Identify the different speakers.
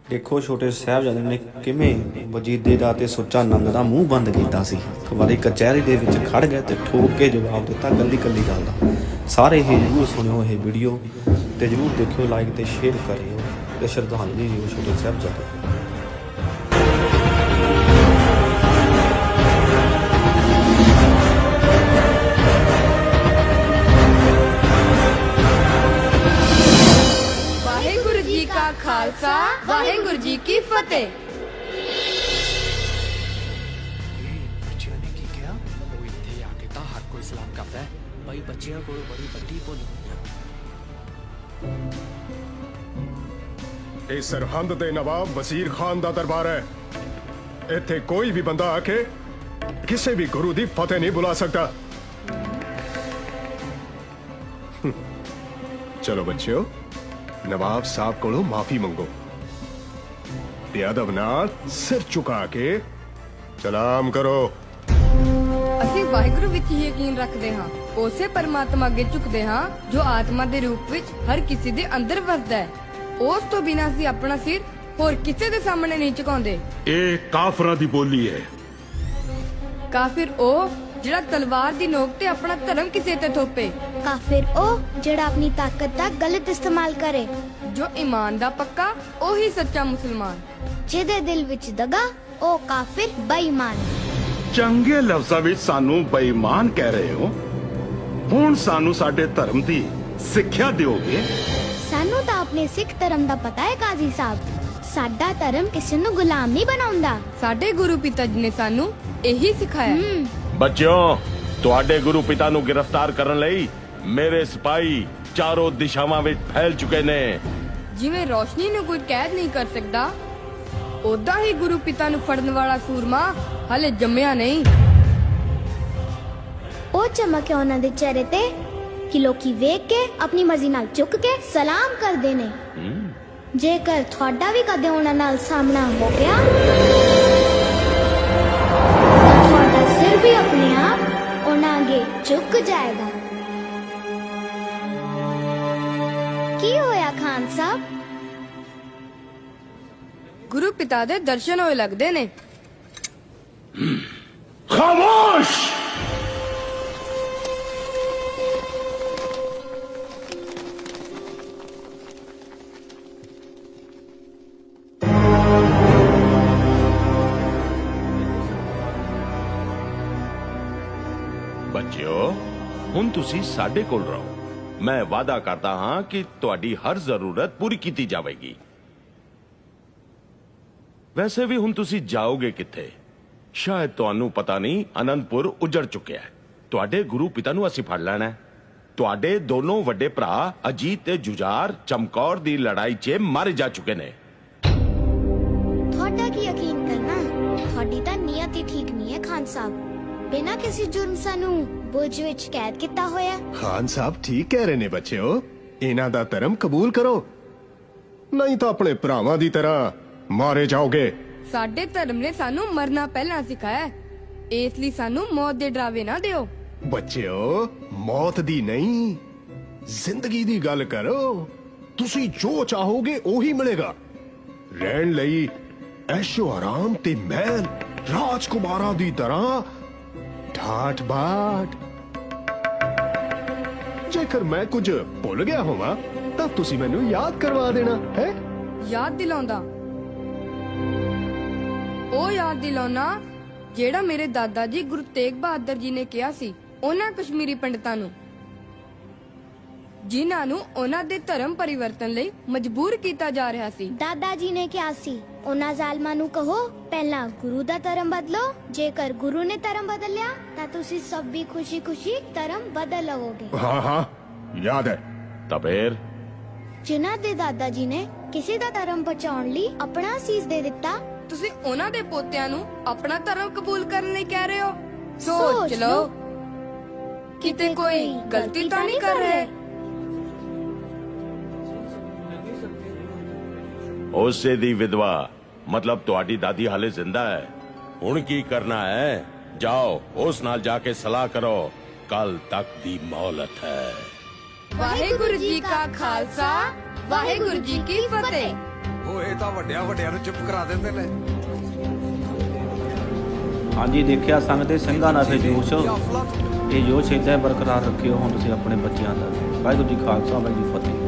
Speaker 1: ਦੇਖੋ ਛੋਟੇ ਸਾਹਿਬਜ਼ਾਦੇ ਨੇ ਕਿਵੇਂ ਵਜੀਦੇ ਦਾ ਤੇ ਸੁੱਚਾ ਨੰਦ ਦਾ ਮੂੰਹ ਬੰਦ ਕੀਤਾ ਸੀ। ਇੱਕ ਵਾਰੀ ਕਚਹਿਰੀ ਦੇ ਵਿੱਚ ਖੜ ਗਏ ਤੇ ਠੋਕ ਕੇ ਜਵਾਬ ਦਿੱਤਾ ਕੱਲੀ ਕੱਲੀ ਗੱਲ ਦਾ। ਸਾਰੇ ਇਹ ਜ਼ਰੂਰ ਸੁਣਿਓ ਇਹ ਵੀਡੀਓ ਤੇ ਜ਼ਰੂਰ ਦੇਖਿਓ, ਲਾਈਕ ਤੇ ਸ਼ੇਅਰ ਕਰਿਓ ਤੇ ਸ਼ਰਧਾਂਜਲੀ ਦਿਓ ਛੋਟੇ ਸਾਹਿਬਜ਼ਾਦੇ ਨੂੰ।
Speaker 2: खालसा वाहेगुरु जी की फतेह।
Speaker 3: बच्चियों ने की किया वो इत्थे आके तां हर कोई सलाम करदा है भाई। बच्चियों को बड़ी वड्डी भुल
Speaker 4: ਇਹ ਸਰਹੰਦ ਦੇ ਨਵਾਬ ਵਜ਼ੀਰ ਖਾਨ ਦਾ ਦਰਬਾਰ ਹੈ। ਇੱਥੇ ਕੋਈ ਵੀ ਬੰਦਾ ਆ ਕੇ ਕਿਸੇ ਵੀ ਗੁਰੂ ਦੀ ਫਤਿਹ ਨਹੀਂ ਬੁਲਾ ਸਕਦਾ। ਚਲੋ ਬੱਚਿਓ, ਨਵਾਬ ਸਾਹਿਬ ਕੋਲੋਂ ਮਾਫੀ ਮੰਗੋ ਤੇ ਅਦਬ ਨਾਲ ਸਿਰ ਝੁਕਾ ਕੇ ਸਲਾਮ ਕਰੋ।
Speaker 2: ਅਸੀਂ ਵਾਹਿਗੁਰੂ ਵਿੱਚ ਹੀ ਯਕੀਨ ਰੱਖਦੇ ਹਾਂ, ਉਸੇ ਪਰਮਾਤਮਾ ਅੱਗੇ ਝੁਕਦੇ ਹਾਂ ਜੋ ਆਤਮਾ ਦੇ ਰੂਪ ਵਿੱਚ ਹਰ ਕਿਸੇ ਦੇ ਅੰਦਰ ਵਸਦਾ ਹੈ। ਉਸ ਤੋਂ ਬਿਨਾਂ ਅਸੀਂ ਆਪਣਾ ਸਿਰ ਹੋਰ ਕਿਸੇ ਦੇ ਸਾਹਮਣੇ ਨਹੀਂ ਝੁਕਾਉਂਦੇ।
Speaker 5: ਇਹ ਕਾਫਰਾਂ ਦੀ ਬੋਲੀ ਹੈ।
Speaker 2: ਕਾਫਿਰ ਉਹ ਜਿਹੜਾ ਤਲਵਾਰ ਦੀ ਨੋਕ ਤੇ ਆਪਣਾ ਧਰਮ ਕਿਸੇ ਤੇ ਥੋਪੇ।
Speaker 6: ਕਾਫਿਰ ਉਹ ਜਿਹੜਾ ਆਪਣੀ ਤਾਕਤ ਦਾ ਗਲਤ ਇਸਤੇਮਾਲ ਕਰੇ।
Speaker 2: ਜੋ ਈਮਾਨ ਦਾ ਪੱਕਾ ਉਹੀ ਸੱਚਾ ਮੁਸਲਮਾਨ।
Speaker 6: ਜਿਹਦੇ ਦਿਲ ਵਿੱਚ ਦਗਾ ਉਹ ਕਾਫਿਰ ਬੇਈਮਾਨ।
Speaker 5: ਚੰਗੇ ਲਫ਼ਜ਼ਾਂ ਵਿੱਚ ਸਾਨੂੰ ਬੇਈਮਾਨ ਕਹਿ ਰਹੇ ਹੋ। ਹੁਣ ਸਾਨੂੰ ਸਾਡੇ ਧਰਮ ਦੀ ਸਿੱਖਿਆ ਦਿਓਗੇ?
Speaker 6: ਸਾਨੂੰ ਤਾਂ ਆਪਣੇ ਸਿੱਖ ਧਰਮ ਦਾ ਪਤਾ ਹੈ ਕਾਜ਼ੀ ਸਾਹਿਬ। ਸਾਡਾ ਧਰਮ ਕਿਸੇ ਨੂੰ ਗੁਲਾਮ ਨਹੀਂ ਬਣਾਉਂਦਾ।
Speaker 2: ਸਾਡੇ ਗੁਰੂ ਪਿਤਾ ਜੀ ਨੇ ਸਾਨੂੰ ਇਹੀ ਸਿਖਾਇਆ।
Speaker 7: ਬੱਚਿਓ, ਤੁਹਾਡੇ ਗੁਰੂ ਪਿਤਾ ਨੂੰ ਗ੍ਰਿਫਤਾਰ ਕਰਨ ਲਈ ਮੇਰੇ ਸਿਪਾਹੀ ਚਾਰੋਂ ਦਿਸ਼ਾਵਾਂ ਵਿੱਚ ਫੈਲ ਚੁੱਕੇ ਨੇ।
Speaker 2: ਜਿਵੇਂ ਰੋਸ਼ਨੀ ਨੂੰ ਕੋਈ ਕੈਦ ਨਹੀਂ ਕਰ ਸਕਦਾ, ਉਦਾਂ ਹੀ ਗੁਰੂ ਪਿਤਾ ਨੂੰ ਫੜਨ ਵਾਲਾ ਸੂਰਮਾ ਹਲੇ ਜੰਮਿਆ ਨਹੀਂ।
Speaker 6: ਉਹ ਚਮਕ ਹੈ ਉਹਨਾਂ ਦੇ ਚਿਹਰੇ ਤੇ ਕਿ ਲੋਕੀ ਵੇਖ ਕੇ ਆਪਣੀ ਮਰਜ਼ੀ ਨਾਲ ਝੁਕ ਕੇ ਸਲਾਮ ਕਰਦੇ ਨੇ। ਜੇਕਰ ਤੁਹਾਡਾ ਵੀ ਕਦੇ ਉਹਨਾਂ ਨਾਲ ਸਾਹਮਣਾ ਹੋ ਗਿਆ ਤਾਂ ਤੁਹਾਡਾ ਸਿਰ ਵੀ ਆਪਣੇ ਆਪ ਉਹਨਾਂ ਅੱਗੇ ਝੁਕ ਜਾਏਗਾ। ਕੀ ਹੋਇਆ ਖਾਨ ਸਾਹਿਬ?
Speaker 2: ਗੁਰੂ ਪਿਤਾ ਦੇ ਦਰਸ਼ਨ ਹੋਏ ਲੱਗਦੇ ਨੇ।
Speaker 5: ਖਾਮੋਸ਼!
Speaker 7: ਬੱਚਿਓ, ਹੁਣ ਤੁਸੀਂ ਸਾਡੇ ਕੋਲ ਰਹੋ। ਮੈਂ ਵਾਅਦਾ ਕਰਦਾ ਹਾਂ ਕਿ ਤੁਹਾਡੀ ਹਰ ਜ਼ਰੂਰਤ ਪੂਰੀ ਕੀਤੀ ਜਾਵੇਗੀ। ਵੈਸੇ ਵੀ ਹੁਣ ਤੁਸੀਂ ਜਾਓਗੇ ਕਿੱਥੇ? ਸ਼ਾਇਦ ਤੁਹਾਨੂੰ ਪਤਾ ਨਹੀਂ, ਅਨੰਦਪੁਰ ਉਜੜ ਚੁੱਕਿਆ ਹੈ। ਤੁਹਾਡੇ ਗੁਰੂ ਪਿਤਾ ਨੂੰ ਅਸੀਂ ਫੜ ਲੈਣਾ ਹੈ। ਤੁਹਾਡੇ ਦੋਨੋਂ ਵੱਡੇ ਭਰਾ ਅਜੀਤ ਤੇ ਜੁਝਾਰ ਚਮਕੌਰ ਦੀ ਲੜਾਈ 'ਚ ਮਰ ਜਾ ਚੁੱਕੇ ਨੇ।
Speaker 6: ਤੁਹਾਡਾ ਕੀ ਯਕੀਨ ਕਰਨਾ? ਤੁਹਾਡੀ ਤਾਂ ਨੀਅਤ ਹੀ ਠੀਕ ਨਹੀਂ ਹੈ ਖਾਨ ਸਾਹਿਬ। ਬਿਨਾਂ ਕਿਸੇ ਜੁਰਮ ਸਾਨੂੰ ਬੁਰਜ ਵਿੱਚ ਕੈਦ ਕੀਤਾ ਹੋਇਆ।
Speaker 4: ਖਾਨ ਸਾਹਿਬ ਠੀਕ ਕਹਿ ਰਹੇ ਨੇ ਬੱਚਿਓ, ਇਹਨਾਂ ਦਾ ਧਰਮ ਕਬੂਲ ਕਰੋ, ਨਹੀਂ ਤਾਂ ਆਪਣੇ ਭਰਾਵਾਂ ਦੀ ਤਰ੍ਹਾਂ ਮਾਰੇ ਜਾਓਗੇ।
Speaker 2: ਸਾਡੇ ਧਰਮ ਨੇ ਸਾਨੂੰ ਮਰਨਾ ਪਹਿਲਾਂ ਸਿਖਾਇਆ, ਇਸ ਲਈ ਸਾਨੂੰ ਮੌਤ ਦੇ ਡਰਾਵੇ ਨਾ ਦਿਓ।
Speaker 4: ਬੱਚਿਓ, ਮੌਤ ਦੀ ਨਹੀਂ, ਜ਼ਿੰਦਗੀ ਦੀ ਗੱਲ ਕਰੋ। ਤੁਸੀਂ ਜੋ ਚਾਹੋਗੇ ਉਹੀ ਮਿਲੇਗਾ। ਰਹਿਣ ਲਈ ਐਸ਼ੋ ਆਰਾਮ ਤੇ ਮਹਿਲ, ਰਾਜਕੁਮਾਰਾਂ ਦੀ ਤਰ੍ਹਾਂ ਠਾਠ ਬਾਠ। ਜੇਕਰ ਮੈਂ ਕੁਝ ਭੁੱਲ ਗਿਆ ਹੋਵਾਂ ਤਾਂ ਤੁਸੀਂ ਮੈਨੂੰ ਯਾਦ ਕਰਵਾ ਦੇਣਾ ਹੈ।
Speaker 2: ਯਾਦ ਦਿਲਾਉਂਦਾ, ਉਹ ਯਾਦ ਦਿਲਾਉਣਾ ਜਿਹੜਾ ਮੇਰੇ ਦਾਦਾ ਜੀ ਗੁਰੂ ਤੇਗ ਬਹਾਦਰ ਜੀ ਨੇ ਕਿਹਾ ਸੀ ਉਹਨਾਂ ਕਸ਼ਮੀਰੀ ਪੰਡਤਾਂ ਨੂੰ, ਜਿਨ੍ਹਾਂ ਨੂੰ ਉਹਨਾਂ ਦੇ ਧਰਮ ਪਰਿਵਰਤਨ ਲਈ ਮਜਬੂਰ ਕੀਤਾ ਜਾ ਰਿਹਾ ਸੀ।
Speaker 6: ਦਾਦਾ ਜੀ ਨੇ ਕਿਹਾ ਸੀ ਉਹਨਾਂ ਜ਼ਾਲਮਾਂ ਨੂੰ ਕਹੋ ਪਹਿਲਾਂ ਗੁਰੂ ਦਾ ਧਰਮ ਬਦਲੋ। ਜੇਕਰ ਗੁਰੂ ਨੇ ਧਰਮ ਬਦਲਿਆ ਤਾਂ ਤੁਸੀਂ ਸਭ ਵੀ ਖੁਸ਼ੀ-ਖੁਸ਼ੀ ਧਰਮ ਬਦਲ ਲਵੋਗੇ।
Speaker 4: ਹਾਂ ਹਾਂ, ਯਾਦ ਹੈ।
Speaker 7: ਤਾਂ ਫੇਰ
Speaker 6: ਜਿਨ੍ਹਾਂ ਦੇ ਦਾਦਾ ਜੀ ਨੇ ਕਿਸੇ ਦਾ ਧਰਮ ਬਚਾਉਣ ਲਈ ਆਪਣਾ ਸੀਸ ਦੇ ਦਿੱਤਾ,
Speaker 2: ਤੁਸੀਂ ਉਹਨਾਂ ਦੇ ਪੋਤਿਆਂ ਨੂੰ ਆਪਣਾ ਧਰਮ ਕਬੂਲ ਕਰਨ ਲਈ ਕਹਿ ਰਹੇ ਹੋ?
Speaker 6: ਸੋਚ
Speaker 2: ਸੋਚ ਲਓ, ਕਿਤੇ ਕੋਈ ਗਲਤੀ ਤਾਂ ਨਹੀਂ ਕਰ ਰਹੇ।
Speaker 7: ਉਸੇ ਦੀ ਵਿਧਵਾ ਮਤਲਬ ਤੁਹਾਡੀ ਦਾਦੀ ਹਾਲੇ ਜ਼ਿੰਦਾ ਹੈ। ਹੁਣ ਕੀ ਕਰਨਾ ਹੈ? ਜਾਓ ਉਸ ਨਾਲ ਜਾ ਕੇ ਸਲਾਹ ਕਰੋ, ਕੱਲ ਤੱਕ ਦੀ ਮੌਲਤ ਹੈ।
Speaker 2: ਵਾਹਿਗੁਰੂ ਜੀ ਕਾ ਖਾਲਸਾ, ਵਾਹਿਗੁਰੂ ਜੀ ਕੀ ਫਤਿਹ।
Speaker 3: ਉਹ ਇਹ ਤਾਂ ਵੱਡਿਆਂ ਵੱਡਿਆਂ ਨੂੰ ਚੁੱਪ ਕਰਾ ਦਿੰਦੇ ਨੇ।
Speaker 1: ਹਾਂਜੀ ਦੇਖਿਆ ਸੰਗ ਦੇ ਸਿੰਘਾਂ ਦਾ ਫਿਰ ਜੋਸ਼, ਇਹ ਜੋਸ਼ ਏਦਾਂ ਹੀ ਬਰਕਰਾਰ ਰੱਖਿਓ ਹੁਣ ਤੁਸੀਂ ਆਪਣੇ ਬੱਚਿਆਂ ਦਾ। ਵਾਹਿਗੁਰੂ ਜੀ ਖਾਲਸਾ ਵਾਹਿਗੁਰੂ ਜੀ ਫਤਿਹ।